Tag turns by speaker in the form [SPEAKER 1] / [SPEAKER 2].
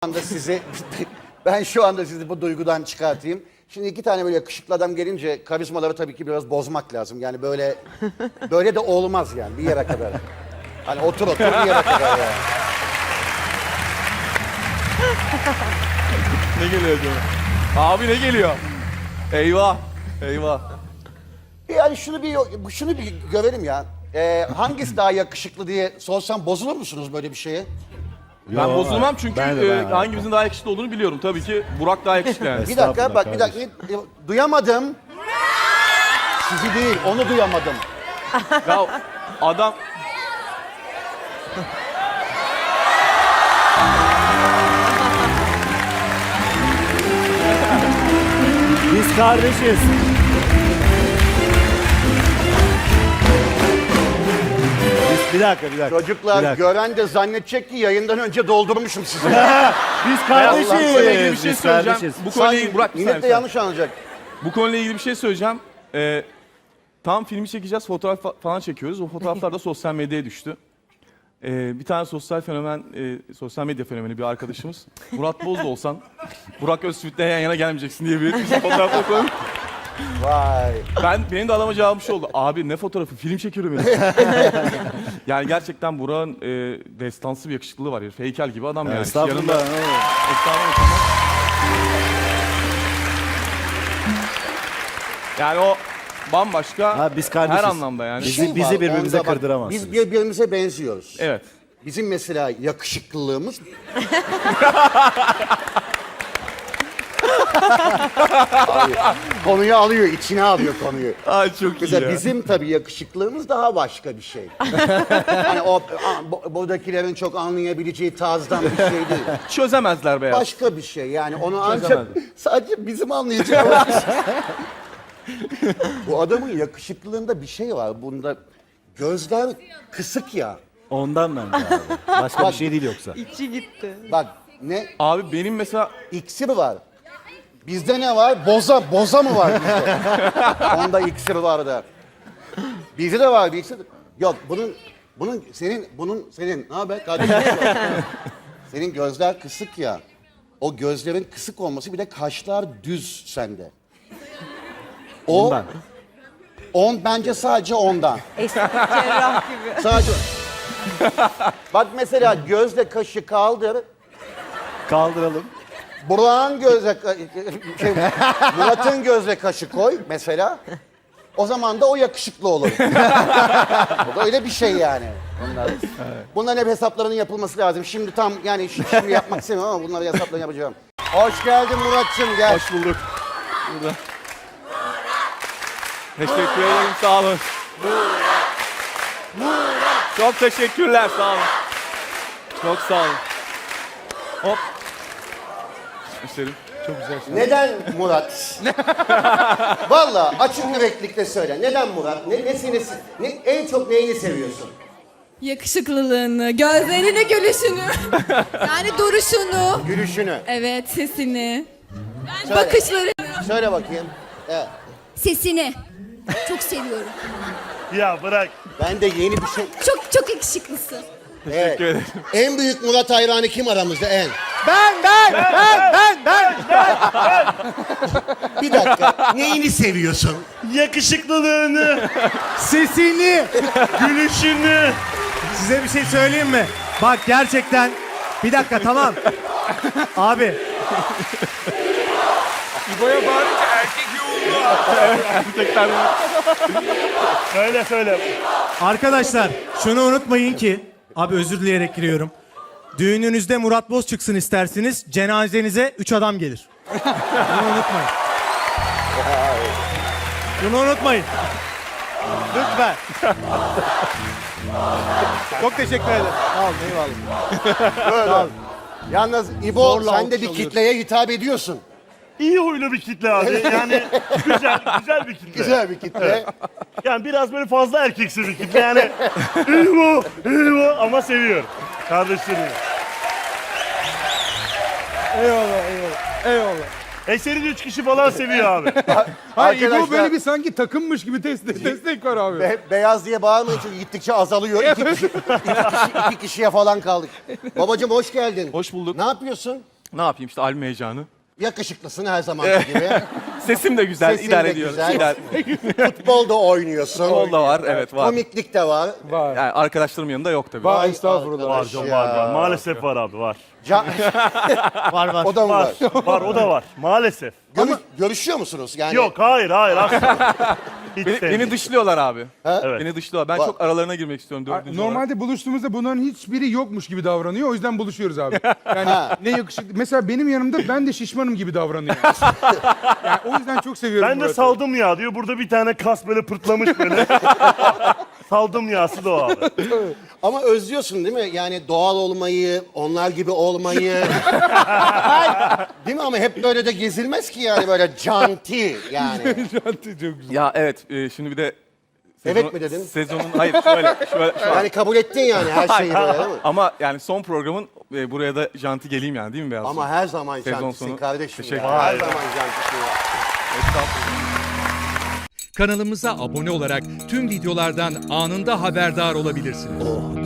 [SPEAKER 1] anda sizi ben şu anda sizi bu duygudan çıkartayım. Şimdi iki tane böyle yakışıklı adam gelince karizmaları tabii ki biraz bozmak lazım. Yani böyle de olmaz yani bir yere kadar. Hani otur bir yere kadar yani.
[SPEAKER 2] Ne geliyor acaba? Abi ne geliyor? Eyvah. Eyvah.
[SPEAKER 1] Yani şunu bir görelim ya. Hangisi daha yakışıklı diye sorsam bozulur musunuz böyle bir şeye?
[SPEAKER 2] Ben bozulmam çünkü
[SPEAKER 3] ben de.
[SPEAKER 2] hangimizin daha yakışıklı olduğunu biliyorum. Tabii ki Burak daha yakışıklı yani.
[SPEAKER 1] Bir dakika bak bir dakika. Duyamadım. Sizi değil onu duyamadım.
[SPEAKER 2] Ya adam...
[SPEAKER 3] Biz kardeşiz. Bir dakika.
[SPEAKER 1] Çocuklar
[SPEAKER 3] Bir dakika.
[SPEAKER 1] gören de zannedecek ki yayından önce doldurmuşum sizi.
[SPEAKER 3] Biz kardeşiz.
[SPEAKER 2] Bu konuyla ilgili bir şey
[SPEAKER 3] Biz
[SPEAKER 2] söyleyeceğim.
[SPEAKER 3] kardeşiz.
[SPEAKER 2] Bu konuyla ilgili... Burak bir
[SPEAKER 1] Millet de
[SPEAKER 2] saniye.
[SPEAKER 1] yanlış anlayacak.
[SPEAKER 2] Bu konuyla ilgili bir şey söyleyeceğim. Tam filmi çekeceğiz, fotoğraf falan çekiyoruz. O fotoğraflar da sosyal medyaya düştü. Bir tane sosyal medya fenomeni bir arkadaşımız. Murat Boz da olsan, Burak Özçivit'le yan yana gelmeyeceksin diye bir fotoğrafla koymuş.
[SPEAKER 1] Vay.
[SPEAKER 2] Benim de adama cevabım şu oldu. Abi ne fotoğrafı? Film çekiyorum ben. Yani gerçekten Burak'ın destansı bir yakışıklılığı var. Heykel gibi adam yani.
[SPEAKER 3] Estağfurullah.
[SPEAKER 2] Yanında- Estağfurullah. Yani o bambaşka
[SPEAKER 3] Ha, biz kardeşiz.
[SPEAKER 2] her anlamda yani.
[SPEAKER 3] Bizi
[SPEAKER 1] var,
[SPEAKER 3] birbirimize
[SPEAKER 1] onda bak,
[SPEAKER 3] kırdıramazsınız.
[SPEAKER 1] Biz birbirimize benziyoruz.
[SPEAKER 2] Evet.
[SPEAKER 1] Bizim mesela yakışıklılığımız... Abi, konuyu alıyor, içine alıyor konuyu.
[SPEAKER 2] Ay çok iyi
[SPEAKER 1] Mesela
[SPEAKER 2] ya.
[SPEAKER 1] bizim tabii yakışıklılığımız daha başka bir şey. Hani buradakilerin çok anlayabileceği tarzdan bir şey değil.
[SPEAKER 2] Çözemezler beyaz.
[SPEAKER 1] Başka bir şey yani onu ancak
[SPEAKER 2] Çözemezdim.
[SPEAKER 1] sadece bizim anlayacağımız bir şey. Bu adamın yakışıklılığında bir şey var. Bunda gözler kısık ya.
[SPEAKER 3] Ondan bence abi. Başka bir şey değil yoksa.
[SPEAKER 4] İçi gitti.
[SPEAKER 1] Bak ne
[SPEAKER 2] Abi benim mesela
[SPEAKER 1] iksir var. Bizde ne var? Boza mı var bizde? Onda iksir var da. Bizde de var bir iksir. Yok senin ne haber kardeşim? Senin gözler kısık ya. O gözlerin kısık olması bir de kaşlar düz sende.
[SPEAKER 3] Ondan.
[SPEAKER 1] Bence sadece ondan.
[SPEAKER 4] Cerrah gibi.
[SPEAKER 1] Sadece. Bak mesela gözle kaşı kaldır.
[SPEAKER 3] Kaldıralım.
[SPEAKER 1] Burak'ın Murat'ın gözle kaşı koy mesela. O zaman da o yakışıklı olur. O da öyle bir şey yani. Bunların hep hesaplarının yapılması lazım. Şimdi tam yani şimdi yapmak istemiyorum ama bunların hesaplarını yapacağım. Hoş geldin Murat'cığım gel.
[SPEAKER 2] hoş bulduk. Burada. Teşekkür ederim sağ olun. Çok teşekkürler sağ olun. Çok sağ olun. Hop. İsterim. Çok güzel.
[SPEAKER 1] Neden Murat? Vallahi açık yüreklikle söyle. Neden Murat? En çok neyini seviyorsun?
[SPEAKER 5] Yakışıklılığını, gözlerini, gülüşünü. Yani duruşunu.
[SPEAKER 1] Gülüşünü.
[SPEAKER 5] Evet, sesini.
[SPEAKER 1] Söyle.
[SPEAKER 5] Bakışları.
[SPEAKER 1] Söyle bakayım. Evet.
[SPEAKER 5] Sesini. Çok seviyorum.
[SPEAKER 6] Ya bırak.
[SPEAKER 1] Ben de yeni bir şey...
[SPEAKER 5] Çok yakışıklısın.
[SPEAKER 1] Evet. En büyük Murat hayranı kim aramızda en?
[SPEAKER 3] Ben.
[SPEAKER 1] Bir dakika. Neyini seviyorsun?
[SPEAKER 6] Yakışıklılığını,
[SPEAKER 3] Sesini.
[SPEAKER 6] gülüşünü.
[SPEAKER 7] Size bir şey söyleyeyim mi? Bak gerçekten. Bir dakika tamam. Abi.
[SPEAKER 2] İbo'ya bağırınca erkek yoğunluğu. Erkekler
[SPEAKER 6] Söyle.
[SPEAKER 7] Arkadaşlar şunu unutmayın ki. Abi özür dileyerek giriyorum. Düğününüzde Murat Boz çıksın isterseniz. Cenazenize 3 adam gelir. Bunu unutmayın. Bunu unutmayın.
[SPEAKER 3] Lütfen.
[SPEAKER 7] Çok teşekkür ederim.
[SPEAKER 3] Sağ olun eyvallah.
[SPEAKER 1] Yalnız İbo
[SPEAKER 3] Zorla
[SPEAKER 1] sen de
[SPEAKER 3] alkış
[SPEAKER 1] bir
[SPEAKER 3] alıyorsun.
[SPEAKER 1] kitleye hitap ediyorsun.
[SPEAKER 6] İyi huylu bir kitle abi. Yani güzel bir kitle.
[SPEAKER 1] Güzel bir kitle.
[SPEAKER 6] Yani biraz böyle fazla erkeksi bir kitle. Yani iyi bu ama seviyor. Kardeşlerim.
[SPEAKER 7] Eyvallah.
[SPEAKER 6] Eser'in 3 kişi falan seviyor abi.
[SPEAKER 1] Arkadaşlar,
[SPEAKER 7] böyle bir sanki takımmış gibi destek var abi.
[SPEAKER 1] beyaz diye bağırmayın çünkü gittikçe azalıyor. İki kişiye falan kaldık. Babacığım hoş geldin.
[SPEAKER 2] Hoş bulduk.
[SPEAKER 1] Ne yapıyorsun?
[SPEAKER 2] Ne yapayım işte albüm heyecanı.
[SPEAKER 1] Yakışıklısın her zamanki gibi.
[SPEAKER 2] Sesim de güzel,
[SPEAKER 1] Sesin
[SPEAKER 2] idare
[SPEAKER 1] de
[SPEAKER 2] ediyoruz.
[SPEAKER 1] güzel.
[SPEAKER 2] İdare-
[SPEAKER 1] Futbol da oynuyorsun.
[SPEAKER 2] Futbol da var, evet var.
[SPEAKER 1] Komiklik de var.
[SPEAKER 2] Yani arkadaşlarım yanında yok tabii.
[SPEAKER 1] Vay
[SPEAKER 6] Var
[SPEAKER 1] arkadaş
[SPEAKER 6] canım
[SPEAKER 1] ya.
[SPEAKER 6] var. Maalesef var abi var.
[SPEAKER 3] Var var.
[SPEAKER 1] O da mı var?
[SPEAKER 6] Var o da var. Maalesef.
[SPEAKER 1] Görüşüyor musunuz? Yani
[SPEAKER 6] Yok hayır asla. Hiç
[SPEAKER 2] Beni
[SPEAKER 6] sevmiyorum.
[SPEAKER 2] dışlıyorlar abi.
[SPEAKER 6] Evet.
[SPEAKER 2] Beni dışlıyorlar. Ben
[SPEAKER 1] Var.
[SPEAKER 2] çok aralarına girmek istiyorum dördüncü olarak.
[SPEAKER 8] Normalde buluştuğumuzda bunların hiçbiri yokmuş gibi davranıyor. O yüzden buluşuyoruz abi. Yani ne yakışıklı. Mesela benim yanımda ben de şişmanım gibi davranıyor. Yani o yüzden çok seviyorum
[SPEAKER 6] Ben de
[SPEAKER 8] Murat'ı.
[SPEAKER 6] saldım ya diyor. Burada bir tane kas böyle pırtlamış böyle. Saldım yağsı da o abi.
[SPEAKER 1] ama özlüyorsun değil mi? Yani doğal olmayı, onlar gibi olmayı. Değil mi? Ama hep böyle de gezilmez ki yani böyle canti yani.
[SPEAKER 8] Çok güzel.
[SPEAKER 2] Ya evet, şimdi bir de
[SPEAKER 1] Evet mi dedin?
[SPEAKER 2] Sezonun hayır şöyle şu an.
[SPEAKER 1] Yani kabul ettin yani her şeyi böyle değil mi?
[SPEAKER 2] Ama yani son programın buraya da janti geleyim yani değil mi Beyaz?
[SPEAKER 1] Ama her zaman
[SPEAKER 2] Sezon
[SPEAKER 1] cantisin
[SPEAKER 2] sonu.
[SPEAKER 1] kardeşim
[SPEAKER 2] Teşekkür
[SPEAKER 1] ya. Her
[SPEAKER 6] ederim.
[SPEAKER 1] zaman cantisin ya.
[SPEAKER 9] Kanalımıza abone olarak tüm videolardan anında haberdar olabilirsiniz.